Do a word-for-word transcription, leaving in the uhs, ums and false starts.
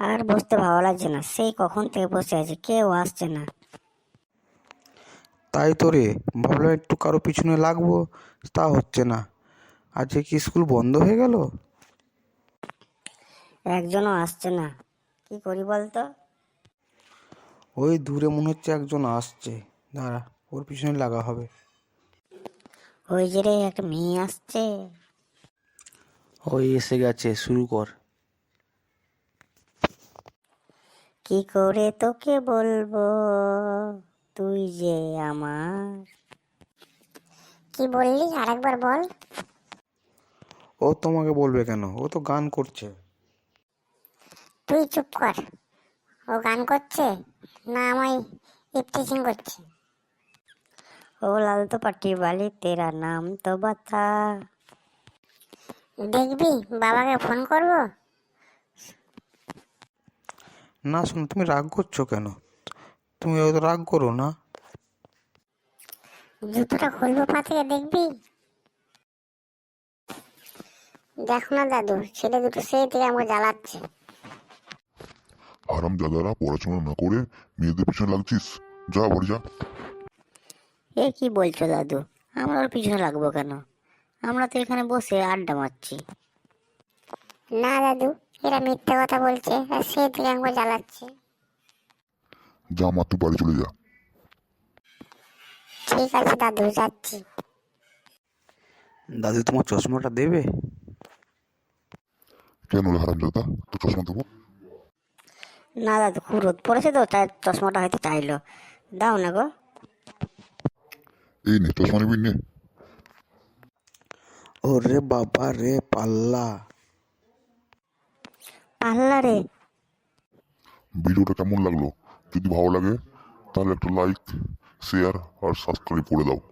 আর বসতে ভালো লাগছে না, সেই কখন থেকে বসে আছি, কেউ আসছে না। তাই তো রে, ভাবলাম একটু কারো পিছনে লাগবো, তা হচ্ছে না। আজকে কি স্কুল বন্ধ হয়ে গেল? একজনও আসছে না, কি করি বলতো? ওই দূরে মনে হচ্ছে একজন আসছে, দাঁড়া ওর পিছনে লাগা হবে। ওই যে রে, একটা মেয়ে আসছে। ওই এসে গেছে, শুরু কর। কি করে তোকে বলবো, তুই যে আমার। কি বললি, আরেকবার বল। ও তোমাকে বলবে কেন, ও তো গান করছে। তুই চুপ কর। ও গান করছে না আমায় ইপটিজিং করছে? ও লাল তো পাটি বালি তেরা নাম তো বাতা। দেখবি, বাবাকে ফোন করব। না শোনো, তুমি রাগ করছো কেন? তুমি হয়তো রাগ করো না। জুতোটা খুলবো পা থেকে, দেখবি? দেখো না দাদু, ছেলে দুটো সেই থেকে আমাকে জ্বালাচ্ছে। হারাম দাদারা, পড়াশোনা না করে মেয়েদের পিছনে লাগছিস, যা বাড়ি যা। এ কি বলছো দাদু, আমরা ওর পিছনে লাগবো কেন? আমরা তো এখানে বসে আড্ডা মারছি। না দাদু, এরা মিথ্যে কথা বলছে, আর সেই থেকে আমাকে জ্বালাচ্ছে। যা মা, তুই বাড়ি চলে যা। ঠিক আছে দাদু, যাচ্ছি। দাদু তোমার চশমাটা দেবে? কেন রে হারাম দাদা, তো চশমা দেবো? না দাদু, খুব রোদ পড়েছে তো, তাই চশমাটা হয়তো চাইলো। দাও না গো। এই নে চশমা, নিবি নে। ওরে বাবা রে, পাল্লা। পাল্লা রে। ভিডিওটা কেমন লাগলো? যদি ভালো লাগে তাহলে একটা লাইক, শেয়ার আর সাবস্ক্রাইব করে দাও।